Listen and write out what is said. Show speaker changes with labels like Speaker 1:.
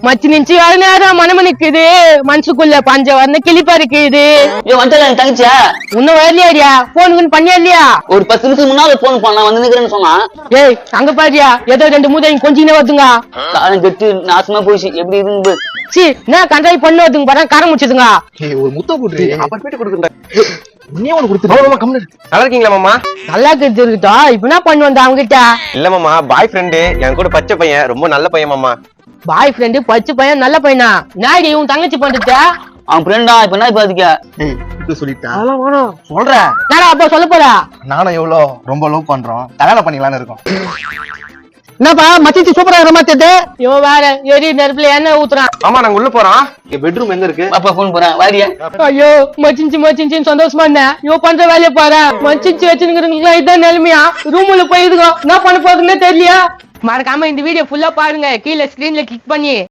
Speaker 1: மச்சி நிச்சு நேரம் மனம நிக்குது மனசுக்குள்ள பஞ்ச வந்த கிளிப்பா இருக்குது.
Speaker 2: தங்கச்சியா
Speaker 1: இன்னும் வரலையாடியா? போனுக்குன்னு பண்ணியா இல்லையா?
Speaker 2: ஒரு 10 நிமிஷம் முன்னால போன் பண்ண வந்து நிக்கிறேன்னு சொன்னா.
Speaker 1: ஏய் அங்க பாரியா ஏதோ 2 மூதையும் கொஞ்சம் வருதுங்க.
Speaker 2: காலம் கெட்டு நாசமா போயிடுச்சு. எப்படி இருந்து
Speaker 1: சி என்ன கண்டாய் பண்ணு வருதுங்க பாரு. காரம் முடிச்சதுங்க.
Speaker 3: ஒரு முத்த போட்டு அப்புறமேட்டு கொடுத்துட்டேன்.
Speaker 4: நல்லா இருக்கீங்களா மாமா?
Speaker 1: நல்லா இருக்குதா? இப்ப என்ன பண்ணு வந்த அவங்க கிட்ட?
Speaker 4: இல்ல மாமா, பாய் ஃப்ரெண்டு என் கூட பச்சை பையன், ரொம்ப நல்ல பையன் மாமா.
Speaker 1: பாய் ஃப்ரெண்டு பச்சை பையன் நல்ல பையனா? நாடி உன் தங்கச்சி பண்றது
Speaker 2: அவன் ஃப்ரெண்டா? இப்ப என்ன இப்ப அதுக்கா
Speaker 3: சொல்லிட்டேன் சொல்றேன்.
Speaker 1: நானா அப்ப சொல்ல போறா?
Speaker 3: நானும் எவ்வளவு ரொம்ப லவ் பண்றோம், கல்யாணம் பண்ணிக்கலாம்னு இருக்கோம்.
Speaker 1: என்னப்பா மச்சி சூப்பரா இருக்க மாத்தது? இவன் வேற எரி நெருப்புல எண்ணெய் ஊத்துறான்.
Speaker 4: ஆமா நாங்க உள்ள போறோம்.
Speaker 3: பெட்ரூம் எங்க இருக்கு?
Speaker 2: அப்பா போன் போறேன் வாரியா.
Speaker 1: ஐயோ மச்சிஞ்சு சந்தோஷமா இருந்தேன். இவ பண்ற வேலையை பாரு. மச்சிஞ்சு வச்சுருக்கிறவங்களுக்கு இதான் நிலைமையா? ரூம்ல போயிருக்கோம். என்ன பண்ண போறதுன்னே தெரியலையா? மறக்காம இந்த வீடியோ ஃபுல்லா பாருங்க. கீழே ஸ்கிரீன்ல கிளிக் பண்ணி